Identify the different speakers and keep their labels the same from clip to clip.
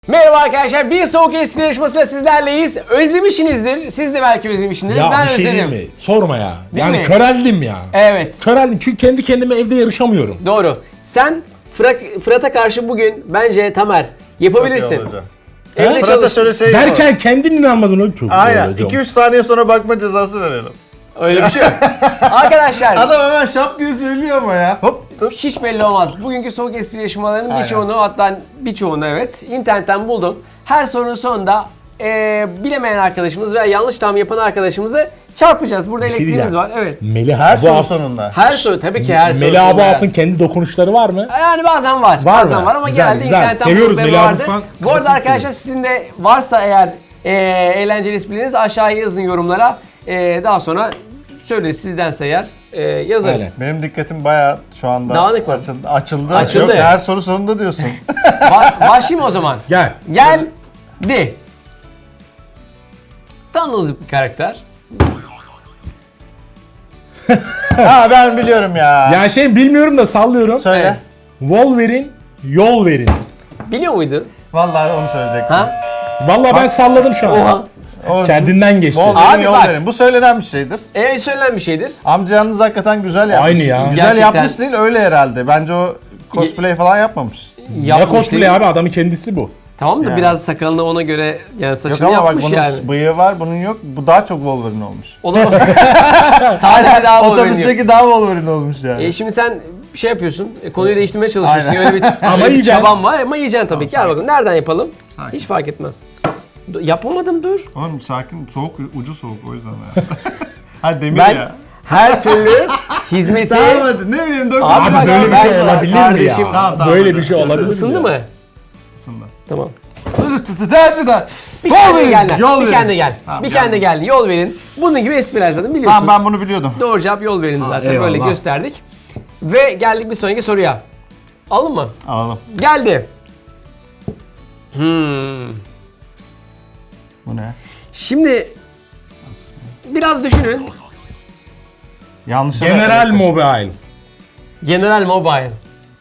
Speaker 1: Merhaba arkadaşlar, bir soğuk espri yarışmasıyla sizlerleyiz. Özlemişsinizdir, siz de belki özlemişsiniz.
Speaker 2: Ya
Speaker 1: Ben
Speaker 2: bir şey
Speaker 1: özledim.
Speaker 2: değil mi? Sorma ya.
Speaker 1: Değil
Speaker 2: Yani
Speaker 1: mi?
Speaker 2: köreldim ya.
Speaker 1: Evet,
Speaker 2: Köreldim çünkü kendi kendime evde yarışamıyorum.
Speaker 1: doğru. Sen Fırat'a karşı bugün bence Tamer yapabilirsin. Evde
Speaker 2: Ha?
Speaker 3: Fırat'a
Speaker 1: çalış.
Speaker 3: şöyle şey
Speaker 2: Derken kendin inanmadın o çok.
Speaker 3: Aynen.
Speaker 2: öyle diyorum.
Speaker 3: 2-3 saniye sonra bakma cezası verelim.
Speaker 1: Öyle bir şey yok. Arkadaşlar,
Speaker 3: Adam hemen şap diye söylüyor ama ya. Hop dur.
Speaker 1: hiç belli olmaz. Bugünkü soğuk espri yarışmalarının
Speaker 3: Aynen.
Speaker 1: birçoğunu, hatta birçoğunu evet, internetten buldum. Her sorunun sonunda bilemeyen arkadaşımız veya yanlış tahmin yapan arkadaşımızı çarpacağız. Burada
Speaker 2: Bir şey
Speaker 1: elektriğimiz
Speaker 2: diyeceğim.
Speaker 1: var. Evet.
Speaker 2: Melih
Speaker 3: Her
Speaker 2: Abu
Speaker 3: soru
Speaker 2: Af-
Speaker 3: sonunda.
Speaker 1: Her soru tabii ki her soru.
Speaker 2: Melih Abu
Speaker 1: sonunda.
Speaker 2: Af'ın kendi dokunuşları var mı?
Speaker 1: Yani bazen var.
Speaker 2: Var
Speaker 1: bazen
Speaker 2: mı?
Speaker 1: var ama
Speaker 2: Güzel,
Speaker 1: genelde
Speaker 2: güzel.
Speaker 1: internetten
Speaker 2: Seviyoruz
Speaker 1: bulduğum
Speaker 2: Melih abi
Speaker 1: vardı.
Speaker 2: falan.
Speaker 1: Bu arada
Speaker 2: Kafasını
Speaker 1: arkadaşlar sizin de varsa eğer eğlenceli esprileriniz aşağıya yazın yorumlara. Daha sonra söyleyin sizdense eğer yazarız.
Speaker 2: Aynen.
Speaker 3: Benim dikkatim bayağı şu anda
Speaker 1: Dağınık mı?
Speaker 3: açıldı.
Speaker 1: Açıldı.
Speaker 3: Yok, her soru sonunda diyorsun.
Speaker 1: Başlayayım o zaman.
Speaker 2: Gel.
Speaker 1: Geldi. Tanıdığınız bir karakter.
Speaker 3: Ha ben biliyorum ya.
Speaker 2: Ya şey bilmiyorum da sallıyorum.
Speaker 3: Söyle.
Speaker 1: Evet.
Speaker 2: Wolverine, yol verin.
Speaker 1: Biliyor muydun?
Speaker 3: Vallahi onu söyleyecektim.
Speaker 1: Ha?
Speaker 2: Vallahi ben salladım şu an.
Speaker 1: Oha.
Speaker 3: O,
Speaker 2: Kendinden geçti.
Speaker 3: Wolverine,
Speaker 1: Abi
Speaker 3: yol
Speaker 1: bak.
Speaker 3: verin. Bu söylenen bir şeydir.
Speaker 1: Söylenen bir şeydir.
Speaker 3: Amca yalnız hakikaten güzel yapmış.
Speaker 2: Aynı ya.
Speaker 3: Güzel
Speaker 1: Gerçekten.
Speaker 3: yapmış değil öyle herhalde. Bence o cosplay falan yapmamış.
Speaker 2: Ne
Speaker 1: Yapmış
Speaker 2: cosplay
Speaker 1: değil.
Speaker 2: abi, adamın kendisi bu.
Speaker 1: Tamam da
Speaker 3: Yani.
Speaker 1: biraz sakalını ona göre yani
Speaker 3: Yok
Speaker 1: saçını
Speaker 3: ama bak
Speaker 1: yapmış
Speaker 3: bunun
Speaker 1: yani.
Speaker 3: bıyığı var bunun yok. Bu daha çok Wolverine olmuş.
Speaker 1: Olamaz. Sadece daha Wolverine.
Speaker 3: Otobüsteki daha Wolverine olmuş yani.
Speaker 1: Şimdi sen şey yapıyorsun, konuyu değiştirmeye çalışıyorsun.
Speaker 3: Aynen.
Speaker 1: Öyle bir,
Speaker 2: Ama
Speaker 1: öyle bir
Speaker 2: yiyeceksin.
Speaker 1: çaban var ama yiyeceksin tabii ki. Gel bakalım nereden yapalım?
Speaker 3: Sakin.
Speaker 1: Hiç fark etmez. Yapamadım dur.
Speaker 3: Oğlum sakin, soğuk, ucu soğuk o yüzden ya. Ha demir
Speaker 1: Ben
Speaker 3: ya.
Speaker 1: her türlü hizmeti...
Speaker 3: Tamam hadi ne bileyim dök.
Speaker 1: Abi bak,
Speaker 2: böyle bir
Speaker 1: ben-
Speaker 2: şey olabilir mi
Speaker 1: kardeşim,
Speaker 2: ya?
Speaker 3: Tamam,
Speaker 2: Böyle
Speaker 3: hadi.
Speaker 2: bir şey olabilir mi?
Speaker 1: Isındı
Speaker 2: ya?
Speaker 1: mı?
Speaker 3: Aslında.
Speaker 1: Tamam.
Speaker 3: Hadi da.
Speaker 1: Bir kendine gel lan.
Speaker 3: Yol
Speaker 1: Bir
Speaker 3: verin.
Speaker 1: kendine gel.
Speaker 3: Tamam,
Speaker 1: Bir
Speaker 3: gel.
Speaker 1: kendine gel. Yol verin. Bunun gibi espriler zaten biliyorsunuz.
Speaker 3: Tamam ben bunu biliyordum.
Speaker 1: Doğru cevap yol verin zaten.
Speaker 2: eyvallah.
Speaker 1: Böyle gösterdik. Ve geldik bir sonraki soruya. Aldın mı?
Speaker 3: Alalım.
Speaker 1: Geldi.
Speaker 3: Bu ne?
Speaker 1: Şimdi biraz düşünün.
Speaker 3: Yanlış.
Speaker 2: General Mobile.
Speaker 1: General Mobile.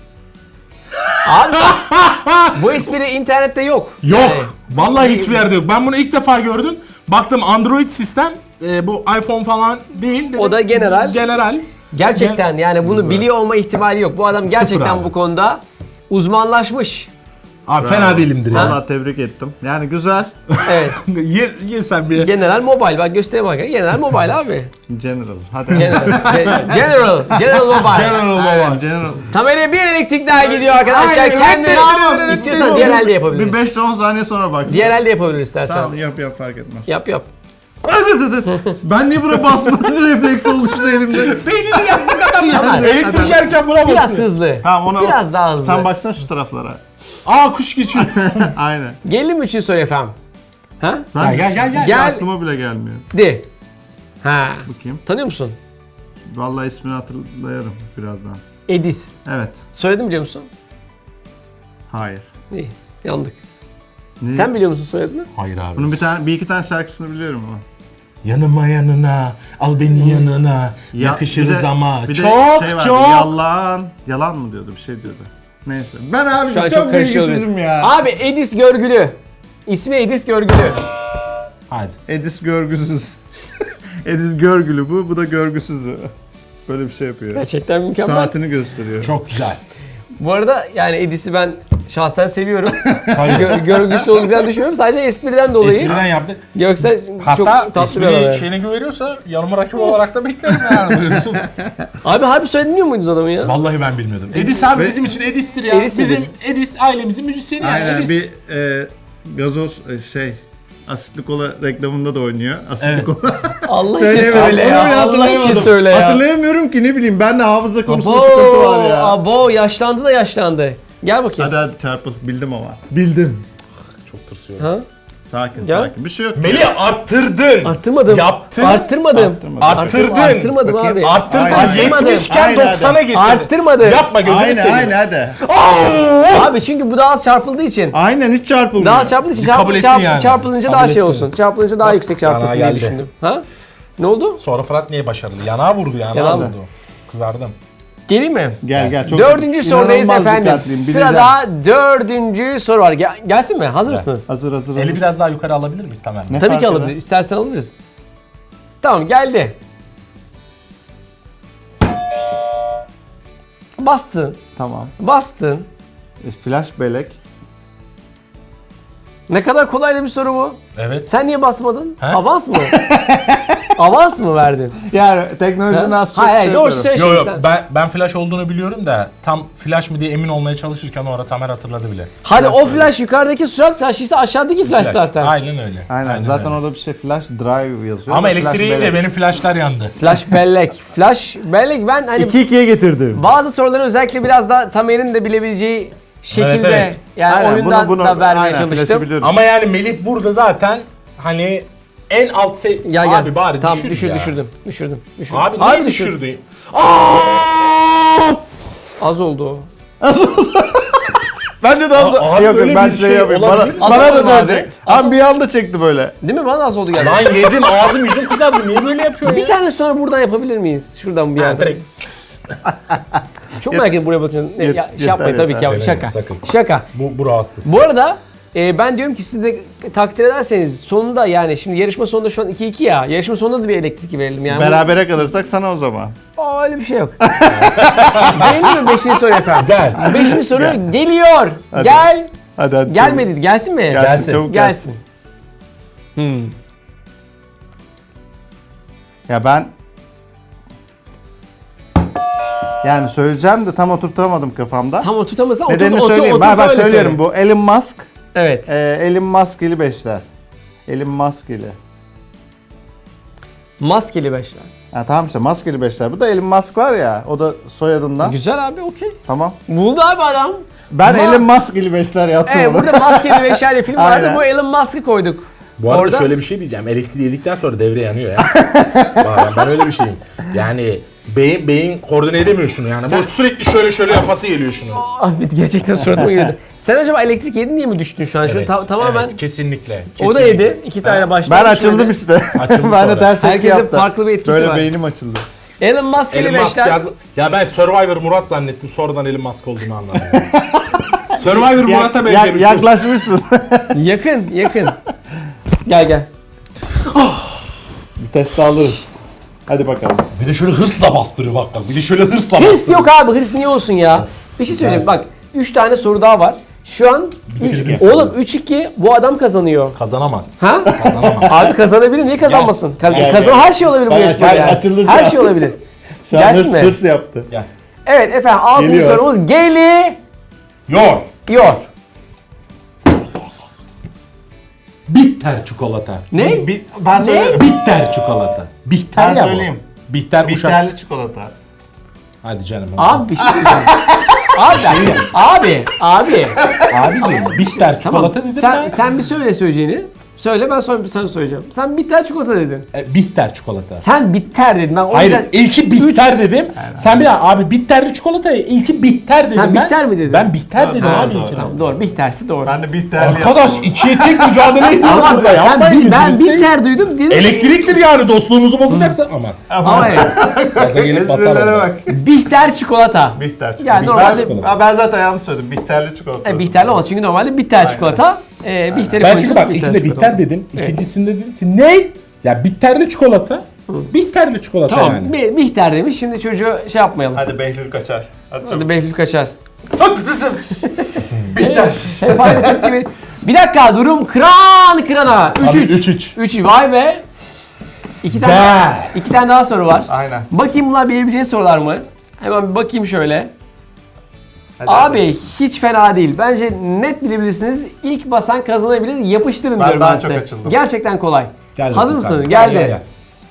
Speaker 1: Abi bu espri internette yok.
Speaker 2: Yok.
Speaker 1: Yani
Speaker 2: Vallahi hiçbir yerde yok. Ben bunu ilk defa gördüm. Baktım Android sistem. Bu iPhone falan değil. Dedim,
Speaker 1: O da general.
Speaker 2: General.
Speaker 1: gerçekten yani bunu biliyor olma ihtimali yok. Bu adam gerçekten
Speaker 2: abi.
Speaker 1: bu konuda uzmanlaşmış.
Speaker 2: Abi fena değilimdir ya.
Speaker 3: Valla tebrik ettim. Yani güzel.
Speaker 1: Evet.
Speaker 2: Ye sen bir.
Speaker 1: General Mobile. Bak göstereyim bak. General Mobile abi.
Speaker 3: General. Hadi.
Speaker 1: General Mobile.
Speaker 2: General Mobile.
Speaker 3: Aynen, General.
Speaker 1: Tamer'e bir elektrik daha gidiyor arkadaşlar.
Speaker 3: Hayır,
Speaker 1: Kendini
Speaker 3: tamam.
Speaker 1: istiyorsan diğer elde
Speaker 3: Bir
Speaker 1: yapabiliriz.
Speaker 3: 5-10 saniye sonra bak.
Speaker 1: Diğer elde yapabiliriz istersen.
Speaker 3: Tamam yap fark etmez.
Speaker 1: Yap.
Speaker 3: Ben niye buna basmadı refleksi oluştu elimde.
Speaker 2: Beynini yapmak adam
Speaker 1: Tamam.
Speaker 2: Elektrik yerken buna
Speaker 1: Biraz
Speaker 2: basıyor.
Speaker 1: hızlı.
Speaker 3: Tamam ona
Speaker 1: Biraz daha hızlı.
Speaker 3: Sen baksana şu taraflara.
Speaker 2: Aa kuş geçiyor.
Speaker 3: Aynen.
Speaker 1: Gelelim mi üçüncü soru efendim? Ha?
Speaker 3: Ben
Speaker 2: Gel.
Speaker 1: Gel.
Speaker 3: aklıma bile gelmiyor.
Speaker 1: De. Ha.
Speaker 3: Bakayım.
Speaker 1: Tanıyor musun?
Speaker 3: Vallahi ismini hatırlarım birazdan.
Speaker 1: Edis.
Speaker 3: Evet.
Speaker 1: Söyledim biliyor musun?
Speaker 3: Hayır.
Speaker 1: İyi. Yandık.
Speaker 3: Ne?
Speaker 1: Sen biliyor musun soyadını?
Speaker 2: Hayır abi.
Speaker 3: Bunun bir iki tane şarkısını biliyorum ama.
Speaker 2: Yanıma al beni yanına. Yakışırız
Speaker 3: bir de-
Speaker 2: ama.
Speaker 3: bir de
Speaker 2: Çok
Speaker 3: şey vardı,
Speaker 2: çok.
Speaker 3: Yalan mı diyordu bir şey diyordu. Neyse. Ben abi
Speaker 1: Şu an
Speaker 3: çok
Speaker 1: karışıyor
Speaker 3: bilgisizim
Speaker 1: biz.
Speaker 3: ya.
Speaker 1: Abi Edis Görgülü. İsmi Edis Görgülü.
Speaker 2: Hadi.
Speaker 3: Edis görgüsüz. Edis görgülü bu da görgüsüz. Böyle bir şey yapıyor.
Speaker 1: Gerçekten mükemmel.
Speaker 3: Saatini gösteriyor.
Speaker 2: Çok güzel.
Speaker 1: Bu arada yani Edis'i ben şahsen seviyorum.
Speaker 2: Tabii.
Speaker 1: Görgüsü olacağını düşünmüyorum. Sadece espriden dolayı.
Speaker 2: Espriden yaptık.
Speaker 1: Yoksa çok
Speaker 2: Hatta
Speaker 1: tatlı bir adam.
Speaker 2: espriyi
Speaker 1: yani.
Speaker 2: şeyine güveniyorsa yanıma rakip olarak da beklerim yani. Buyursun.
Speaker 1: Abi harbi söyledin muydunuz adamı ya?
Speaker 2: Vallahi ben bilmiyordum. Edis abi
Speaker 3: Ve-
Speaker 2: bizim için Edis'tir ya.
Speaker 1: Edis
Speaker 2: bizim
Speaker 1: midir?
Speaker 2: Edis ailemizin müzisyeni yani.
Speaker 3: Aynen
Speaker 2: Edis.
Speaker 3: bir gazoz asitli kola reklamında da oynuyor. Asitli
Speaker 2: Evet.
Speaker 3: kola.
Speaker 1: Allah için
Speaker 3: Söyleyemem.
Speaker 1: söyle
Speaker 3: Onu
Speaker 1: ya.
Speaker 3: bile
Speaker 1: Allah için
Speaker 3: hatırlayamadım.
Speaker 1: söyle ya.
Speaker 3: Hatırlayamıyorum ki ne bileyim ben de hafıza konusunda sıkıntı var ya.
Speaker 1: Abo yaşlandı da yaşlandı. Gel bakayım.
Speaker 3: Hadi çarpıl. Bildim ama. Bildim.
Speaker 2: Çok tırsıyorum.
Speaker 1: Ha?
Speaker 3: Sakin
Speaker 1: Ya.
Speaker 3: sakin. Bir şey yok.
Speaker 2: Melih arttırdın.
Speaker 1: Arttırmadım.
Speaker 2: Yaptın.
Speaker 1: Arttırmadım.
Speaker 2: Arttırdın.
Speaker 1: Arttırmadım
Speaker 3: Bakayım.
Speaker 1: abi.
Speaker 2: Arttırdın.
Speaker 3: Aynen.
Speaker 2: 70 iken
Speaker 3: Aynen.
Speaker 2: 90'a getirdin.
Speaker 1: Arttırmadım.
Speaker 2: Yapma gözünü
Speaker 3: Aynen
Speaker 2: seveyim.
Speaker 3: hadi.
Speaker 1: Abi çünkü bu daha az çarpıldığı için.
Speaker 3: Aynen hiç çarpılmıyor.
Speaker 1: Daha az çarpıldığı için
Speaker 2: Kabul ettin yani.
Speaker 1: çarpılınca
Speaker 2: Kabul
Speaker 1: daha şey
Speaker 2: ettin.
Speaker 1: olsun. Çarpılınca daha yüksek çarpılsın
Speaker 2: Yana
Speaker 1: diye
Speaker 2: geldi.
Speaker 1: düşündüm. Ha? Ne oldu?
Speaker 2: Sonra Fırat niye başarılı? Yanağa vurdu,
Speaker 1: Yanağa
Speaker 2: vurdu. Kızardım.
Speaker 1: Geleyim mi?
Speaker 3: Gel çok
Speaker 1: Dördüncü sorudayız
Speaker 3: inanılmaz
Speaker 1: efendim.
Speaker 3: dikkatliyim, bileceğim.
Speaker 1: Sırada dördüncü soru var. Gelsin mi? Hazır mısınız?
Speaker 3: Hazır.
Speaker 2: Eli biraz daha yukarı alabilir miyiz Tamer?
Speaker 3: Ne
Speaker 1: Tabii
Speaker 3: fark
Speaker 1: ki
Speaker 3: eder?
Speaker 1: alabiliriz. İstersen alabiliriz. Tamam geldi. Bastın.
Speaker 3: Tamam.
Speaker 1: Bastın.
Speaker 3: Flash bellek.
Speaker 1: Ne kadar kolay bir soru bu.
Speaker 2: Evet.
Speaker 1: Sen niye basmadın?
Speaker 2: He?
Speaker 1: Avans mı? Avans mı verdin?
Speaker 3: Yani teknolojiden az çok
Speaker 1: Hayır, doğru
Speaker 3: yapıyorum.
Speaker 1: söyle
Speaker 2: Yo
Speaker 1: şimdi
Speaker 2: yo
Speaker 1: sen.
Speaker 2: ben flash olduğunu biliyorum da tam flash mı diye emin olmaya çalışırken o ara Tamer hatırladı bile.
Speaker 1: Hani o flash yukarıdaki surat flaşıysa aşağıdaki flash zaten.
Speaker 2: Aynen öyle.
Speaker 3: Aynen. Zaten
Speaker 2: öyle.
Speaker 3: orada bir şey flash drive yazıyor.
Speaker 2: Ama
Speaker 3: da flash
Speaker 2: elektriği
Speaker 3: bellek.
Speaker 2: de benim flashlar yandı.
Speaker 1: Flash bellek. Flash bellek ben hani
Speaker 3: 2-2'ye getirdim.
Speaker 1: bazı soruları özellikle biraz da Tamer'in de bilebileceği şekilde
Speaker 2: Evet, evet.
Speaker 1: yani
Speaker 3: Aynen,
Speaker 1: oyundan da vermeye
Speaker 3: aynen, flash'ı
Speaker 1: çalıştım.
Speaker 3: biliyoruz.
Speaker 2: Ama yani Melih burada zaten hani en alt
Speaker 1: Gel.
Speaker 2: Abi bari
Speaker 1: tamam,
Speaker 2: düşür ya.
Speaker 1: düşürdüm.
Speaker 2: Abi
Speaker 1: Harbi
Speaker 2: niye
Speaker 1: düşürdüm.
Speaker 2: düşürdü?
Speaker 1: Az oldu o.
Speaker 3: Ben de daha
Speaker 2: abi
Speaker 3: yok
Speaker 2: öyle
Speaker 3: ben
Speaker 2: bir
Speaker 3: şey
Speaker 2: şey
Speaker 3: yapayım.
Speaker 2: olabilir mi?
Speaker 3: Bana
Speaker 1: Azaldı
Speaker 3: da
Speaker 1: abi.
Speaker 3: dönecek. Abi bir anda çekti böyle.
Speaker 1: Değil mi? Bana az oldu geldi.
Speaker 2: Lan yedim ağzım yüzüm kızardı. Niye böyle yapıyorsun
Speaker 1: Bir
Speaker 2: ya?
Speaker 1: tane sonra buradan yapabilir miyiz? Şuradan bir
Speaker 2: Ha,
Speaker 1: yerden.
Speaker 2: direkt.
Speaker 1: Çok merak ettim buraya bakın.
Speaker 3: Yet-
Speaker 1: Şey yapmayın
Speaker 3: yeter,
Speaker 1: tabii ki ya.
Speaker 2: yeter.
Speaker 1: Şaka.
Speaker 2: Sakın.
Speaker 1: Şaka.
Speaker 2: Bu hastası.
Speaker 1: Bu arada ben diyorum ki siz de takdir ederseniz sonunda yani şimdi yarışma sonunda şu an 2-2 ya. Yarışma sonunda da bir elektrik verelim yani.
Speaker 3: Berabere kalırsak sana o zaman.
Speaker 1: Aa, öyle bir şey yok. Değil mi 5. soru efendim?
Speaker 2: Gel.
Speaker 1: 5. soru geliyor.
Speaker 3: Hadi.
Speaker 1: Gel.
Speaker 3: Hadi.
Speaker 1: Gelmedi. Gelsin mi?
Speaker 2: Gelsin.
Speaker 3: Çabuk
Speaker 1: Gelsin. Hmm.
Speaker 3: Ya ben yani söyleyeceğim de tam oturtamadım kafamda.
Speaker 1: Tam oturtamazsan
Speaker 3: Nedenini söyleyeyim. Bak
Speaker 1: öyle
Speaker 3: söylüyorum
Speaker 1: söyle.
Speaker 3: bu Elon Musk.
Speaker 1: Evet.
Speaker 3: Elon Musk'ili beşler. Elon Musk'ili.
Speaker 1: Maskeli beşler.
Speaker 3: Ha, tamam işte maskeli beşler. Bu da Elon Musk var ya. O da soyadından.
Speaker 1: Güzel abi okey.
Speaker 3: Tamam.
Speaker 1: Buldu abi adam.
Speaker 3: Ben
Speaker 1: Ama-
Speaker 3: Elon Musk'ili beşler yaptım
Speaker 1: Evet
Speaker 3: onu.
Speaker 1: burada Maskeli beşler diye film vardı.
Speaker 3: Aynen.
Speaker 1: Bu Elon Musk'ı koyduk.
Speaker 2: Bu arada
Speaker 1: Orada-
Speaker 2: şöyle bir şey diyeceğim. Elektriği yedikten sonra devre yanıyor ya. Bak, ben öyle bir şeyim. Yani beyin koordine edemiyor şunu yani. Bu sürekli şöyle yapası geliyor şunu.
Speaker 1: Abi gerçekten suratıma girdi. Sen acaba elektrik yedin diye mi düştün şu an? Şunu tamamen
Speaker 2: Evet, kesinlikle.
Speaker 1: o da
Speaker 2: kesinlikle.
Speaker 1: yedi. İki tane başladı.
Speaker 3: Ben açıldım işte.
Speaker 2: Açıldı
Speaker 3: ben
Speaker 2: sonra.
Speaker 3: de ters etki
Speaker 1: Herkesin
Speaker 3: yaptım.
Speaker 1: farklı bir etkisi
Speaker 3: Böyle
Speaker 1: var.
Speaker 3: beynim açıldı.
Speaker 1: Elon Musk'eli
Speaker 2: Elon Musk
Speaker 1: beşler.
Speaker 2: ya ben Survivor Murat zannettim. Sonradan Elon Musk olduğunu anladım. Survivor Murat'a benzemiş.
Speaker 3: Yaklaşmışsın.
Speaker 1: Yakın. Gel.
Speaker 3: Bir test alırız. Hadi bakalım.
Speaker 2: Bir de şöyle hırsla bastırıyor bak. Bir de şöyle hırsla
Speaker 1: Hırs
Speaker 2: bastırıyor.
Speaker 1: yok abi. Hırs niye olsun ya? Bir şey söyleyeceğim. Bak 3 tane soru daha var. Şu an oğlum 3-2 bu adam kazanıyor.
Speaker 2: Kazanamaz.
Speaker 1: Ha?
Speaker 2: Kazanamaz.
Speaker 1: Abi kazanabilir. Niye kazanmasın?
Speaker 3: Gel.
Speaker 1: Her şey olabilir bu
Speaker 3: Bak,
Speaker 1: yarışmada yani.
Speaker 3: açıldı şu
Speaker 1: Her
Speaker 3: an.
Speaker 1: şey olabilir.
Speaker 3: Şu an
Speaker 1: Gelsin mi?
Speaker 3: hırs yaptı.
Speaker 2: Gel.
Speaker 1: Evet efendim 6.
Speaker 3: Geliyor.
Speaker 1: sorumuz geliyor.
Speaker 2: Yor. Bitter çikolata.
Speaker 1: Ne?
Speaker 3: Ben söylerim.
Speaker 2: Bitter çikolata. Bihter
Speaker 3: Ben
Speaker 2: ya
Speaker 3: söyleyeyim.
Speaker 2: bu. Bihter uşak.
Speaker 3: Bitterli çikolata.
Speaker 2: Hadi canım.
Speaker 1: Abi bir şey söyleyeceğim. Abi.
Speaker 2: Abiciğim bitter
Speaker 1: Tamam.
Speaker 2: çikolata dedim
Speaker 1: Sen,
Speaker 2: ben.
Speaker 1: sen bir söyle söyleyeceğini. Söyle ben sonra sen söyleyeceğim. Sen bitter çikolata dedin.
Speaker 2: Bitter çikolata.
Speaker 1: Sen bitter dedin. Ben o
Speaker 2: Hayır
Speaker 1: yüzden
Speaker 2: ilki bitter dedim. Sen bir daha abi bitterli çikolata ilki bitter dedim
Speaker 1: Sen
Speaker 2: ben.
Speaker 1: bitter mi dedin?
Speaker 2: Ben bitter dedim
Speaker 3: Ha,
Speaker 2: abi
Speaker 3: doğru,
Speaker 2: ilkine.
Speaker 1: Tamam doğru. Bittersi doğru.
Speaker 3: Ben de bitterli
Speaker 2: Arkadaş
Speaker 3: yaptım.
Speaker 2: ikiye tek mücadele ediyoruz
Speaker 1: Ama
Speaker 2: burada. Yapmayın
Speaker 1: ben
Speaker 2: gözünü seveyim.
Speaker 1: bitter duydum dedim.
Speaker 2: Elektriktir yani dostluğumuzu bozacaksa aman.
Speaker 1: Ama evet.
Speaker 2: Gaza gelip basar
Speaker 3: Esprilere
Speaker 2: orada.
Speaker 3: bak.
Speaker 1: Bitter çikolata.
Speaker 3: Bitter çikolata.
Speaker 1: Yani normalde
Speaker 3: Ben zaten yanlış söyledim. Bitterli çikolata.
Speaker 1: Bihterli olmaz çünkü normalde bitter çikolata. Bihteri
Speaker 2: Ben
Speaker 1: koyunca
Speaker 2: çünkü bak
Speaker 1: bitter
Speaker 2: ilkinde
Speaker 1: çikolata.
Speaker 2: bitter dedim. İkincisinde dedim ki ne? Ya bitterli çikolata. Bitterli çikolata
Speaker 1: Tamam
Speaker 2: yani.
Speaker 1: Bihter demiş. Şimdi çocuğu şey yapmayalım.
Speaker 3: Hadi Behlül kaçar. Hadi
Speaker 1: Hadi
Speaker 3: çabuk.
Speaker 1: Behlül kaçar.
Speaker 3: Bitter.
Speaker 1: Hep aynı tepki. Bir dakika durum kırana. 3-3. 3 vay be. İki tane daha soru var.
Speaker 3: Aynen.
Speaker 1: Bakayım bunlar bilebileceğin sorular mı? Hemen bir bakayım şöyle.
Speaker 3: Hadi
Speaker 1: Abi hiç fena değil. Bence net bilebilirsiniz. İlk basan kazanabilir. Yapıştırın
Speaker 3: Ben
Speaker 1: diyorum
Speaker 3: daha
Speaker 1: ben
Speaker 3: çok
Speaker 1: size.
Speaker 3: açıldım.
Speaker 1: Gerçekten kolay.
Speaker 2: Gel
Speaker 1: Hazır
Speaker 2: bakayım
Speaker 1: mısınız?
Speaker 2: kardeşim.
Speaker 1: Geldi.
Speaker 2: Gel.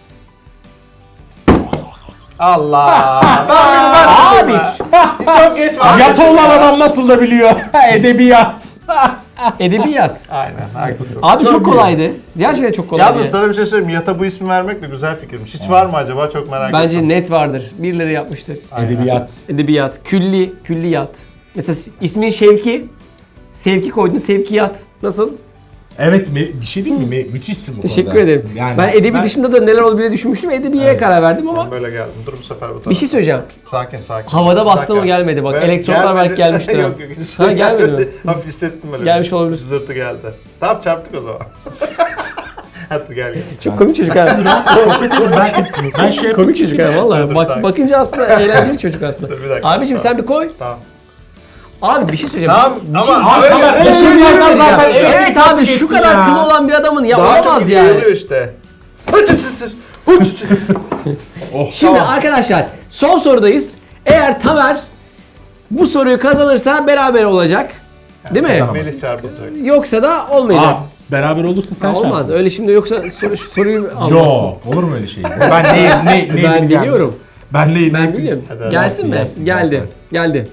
Speaker 3: Allah.
Speaker 1: Abi
Speaker 3: Çok geç var.
Speaker 2: Yat olan adam nasıl da biliyor. Edebiyat.
Speaker 1: edebiyat.
Speaker 3: Aynen haklısın.
Speaker 1: Abi çok
Speaker 2: Çok
Speaker 1: kolaydı. Gerçekten çok kolaydı.
Speaker 3: Yalnız sana bir şey söyleyeyim. Yata bu ismi vermek de güzel fikirmiş. Hiç var mı acaba? Çok merak ettim.
Speaker 1: Bence net vardır. Birileri yapmıştır.
Speaker 3: Aynen.
Speaker 2: Edebiyat.
Speaker 1: Edebiyat, külliyat. Mesela ismin Şevki. Sevki koydun, sevkiyat. Nasıl?
Speaker 2: Evet bir şey değil mi? Müthişsin bu
Speaker 1: Teşekkür
Speaker 2: konuda.
Speaker 1: ederim.
Speaker 2: Yani
Speaker 1: ben edebi dışında da neler olabileceğini düşünmüştüm. Edebiye karar verdim ama
Speaker 4: Ben böyle geldim. Dur bu sefer bu tarafa.
Speaker 1: bir şey söyleyeceğim.
Speaker 4: Sakin sakin.
Speaker 1: Havada bastı mı
Speaker 4: Bir dakika.
Speaker 1: gelmedi bak.
Speaker 4: Ben-
Speaker 1: Elektronlar belki
Speaker 4: gelmedi.
Speaker 1: gelmiştir. ha.
Speaker 4: Yok yok. Hiç
Speaker 1: Ha, gelmedi mi?
Speaker 4: Hafif hissettim öyle.
Speaker 1: Gelmiş olabilir.
Speaker 4: Zırtı geldi. Tamam çarptık o zaman. Hadi gel gel.
Speaker 1: Çok komik çocuk ha.
Speaker 2: ben şey
Speaker 1: Komik çocuk ha valla.
Speaker 4: Dur,
Speaker 1: Bak,
Speaker 4: sakin.
Speaker 1: bakınca aslında eğlenceli çocuk aslında.
Speaker 4: Dur, bir dakika.
Speaker 1: Abiciğim sen bir koy.
Speaker 4: Tamam.
Speaker 1: Abi bir şey söyleyeceğim.
Speaker 4: Tamam
Speaker 1: Bir şey-
Speaker 4: ama
Speaker 1: Bir
Speaker 4: öyle
Speaker 1: şey
Speaker 4: öyle
Speaker 1: söyleyeceğim.
Speaker 3: zaten-
Speaker 1: Evet abi şu kadar kılı olan bir adamın ya
Speaker 4: daha çok
Speaker 1: olamaz yani.
Speaker 4: yayılıyor işte.
Speaker 1: Şimdi
Speaker 4: Tamam.
Speaker 1: arkadaşlar son sorudayız. Eğer Tamer bu soruyu kazanırsa beraber olacak. Değil mi?
Speaker 4: Melih çarpılacak.
Speaker 1: Yoksa da olmayacak.
Speaker 2: beraber olursa sen
Speaker 1: Olmaz.
Speaker 2: çarpın.
Speaker 1: Öyle şimdi yoksa soruyu almazsın.
Speaker 2: Yo, olur mu öyle şey? Ben ne
Speaker 1: Ben
Speaker 2: bileceğim?
Speaker 1: biliyorum.
Speaker 2: Ben ne
Speaker 1: Ben biliyorum.
Speaker 4: Hadi,
Speaker 1: Gelsin mi?
Speaker 2: gelsin,
Speaker 1: Geldi.
Speaker 2: gelsin.
Speaker 1: Geldi.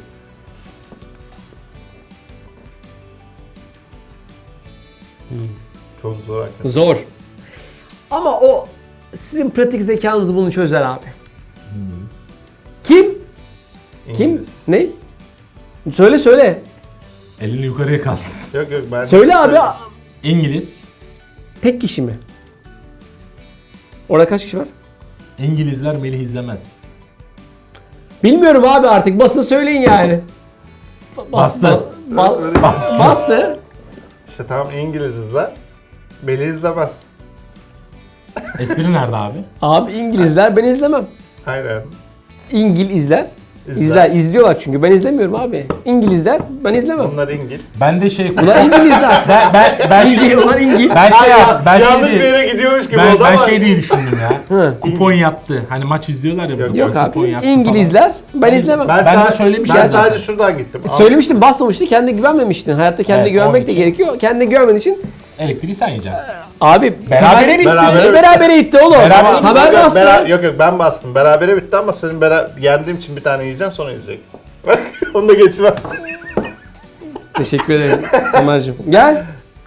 Speaker 4: Çok zor hakikaten.
Speaker 1: Zor. Ama o sizin pratik zekanız bunu çözer abi. Kim? Kim?
Speaker 4: İngiliz.
Speaker 1: Ne? Söyle.
Speaker 2: Elini yukarıya kaldırsın.
Speaker 4: Yok yok ben...
Speaker 1: Söyle abi.
Speaker 2: İngiliz.
Speaker 1: Tek kişi mi? Orada kaç kişi var?
Speaker 2: İngilizler Melih izlemez.
Speaker 1: Bilmiyorum abi artık. Basın söyleyin yani.
Speaker 2: Bastı.
Speaker 1: Bastı.
Speaker 4: İşte tamam İngilizler. Melih izlemez.
Speaker 2: Espri nerede abi?
Speaker 1: Abi İngilizler ben izlemem.
Speaker 4: Aynen.
Speaker 1: İngilizler.
Speaker 4: İzler.
Speaker 1: İzliyorlar çünkü ben izlemiyorum abi. İngilizler ben izlemem.
Speaker 4: Bunlar İngil.
Speaker 2: Ben de şey...
Speaker 1: Ulan İngilizler.
Speaker 2: ben
Speaker 1: İngil, ulan İngil.
Speaker 2: ben
Speaker 4: Yanlış
Speaker 2: şey
Speaker 4: bir
Speaker 2: diye,
Speaker 4: yere gidiyormuş gibi
Speaker 2: ben,
Speaker 4: oldu
Speaker 2: ben
Speaker 4: ama...
Speaker 2: şey diye düşündüm ya.
Speaker 1: Hı.
Speaker 2: Kupon yattı. Hani maç izliyorlar ya. burada,
Speaker 1: Yok
Speaker 2: kupon
Speaker 1: abi.
Speaker 2: yattı
Speaker 1: İngilizler ben izlemem.
Speaker 4: Ben,
Speaker 2: Ben de
Speaker 4: sadece,
Speaker 2: söylemiştim
Speaker 4: ben
Speaker 2: zaten.
Speaker 4: sadece şuradan gittim.
Speaker 1: Söylemiştim basmamıştı kendine güvenmemiştin. Hayatta kendine
Speaker 2: Evet,
Speaker 1: güvenmek
Speaker 2: onun
Speaker 1: de
Speaker 2: için.
Speaker 1: gerekiyor. Kendine güvenmediğin için
Speaker 2: falan. Elektriği sen yiyeceksin.
Speaker 1: abi
Speaker 2: Berabere bitti.
Speaker 1: Berabere gitti oğlum.
Speaker 2: Berabere-
Speaker 1: Haber
Speaker 4: Yok,
Speaker 1: bastı.
Speaker 4: yok yok ben bastım. Berabere bitti ama senin yendiğim için bir tane yiyeceksin sonra yiyecek. Bak onu da geçmem.
Speaker 1: Teşekkür ederim Ömerciğim. Gel.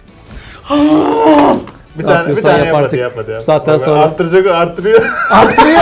Speaker 4: Bir
Speaker 1: Ne
Speaker 4: tane
Speaker 1: yapıyorsan yap
Speaker 4: yap hadi
Speaker 1: artık.
Speaker 4: yap hadi. Yap.
Speaker 1: Bu saatten
Speaker 4: Bak,
Speaker 1: sonra.
Speaker 4: arttıracak o arttırıyor.
Speaker 1: Arttırıyor.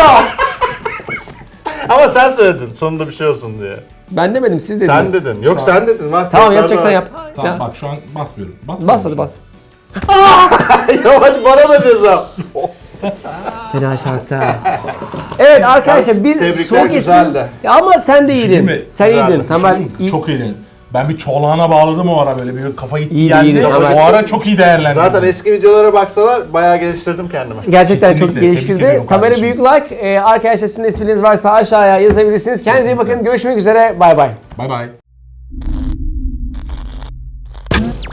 Speaker 4: Ama sen söyledin sonunda bir şey olsun diye.
Speaker 1: Ben demedim siz dediniz.
Speaker 4: Sen dedin. Yok sen dedin. Bak,
Speaker 1: Tamam
Speaker 4: tekrardan-
Speaker 1: yapacaksan yap.
Speaker 2: Tamam
Speaker 1: Ya.
Speaker 2: bak şu an basmıyorum.
Speaker 1: Bas hadi bas.
Speaker 4: Yavaş bana da ceza.
Speaker 1: Fena şarkı. Evet arkadaşlar bir
Speaker 4: Tebrikler,
Speaker 1: soğuk
Speaker 4: güzeldi.
Speaker 1: espri. Ya ama sen de iyiydin.
Speaker 2: mi?
Speaker 1: Sen
Speaker 4: Güzeldi.
Speaker 1: iyiydin. Tamam. iyi.
Speaker 2: Çok iyiydin. Ben bir çolağına bağladım o ara böyle bir kafa gitti
Speaker 1: İyiydi,
Speaker 2: geldi.
Speaker 1: iyiydi.
Speaker 2: O ara çok iyi değerlendirdim.
Speaker 4: Zaten eski videolara baksalar bayağı geliştirdim kendimi.
Speaker 1: Gerçekten
Speaker 2: Kesinlikle,
Speaker 1: çok
Speaker 2: tebrik
Speaker 1: geliştirdi.
Speaker 2: ediyorum
Speaker 1: Kamera
Speaker 2: kardeşim.
Speaker 1: büyük like. Arkadaşlar sizin espriniz varsa aşağıya yazabilirsiniz. Kendinize iyi bakın. Görüşmek üzere. Bay bay.
Speaker 2: Bay bay.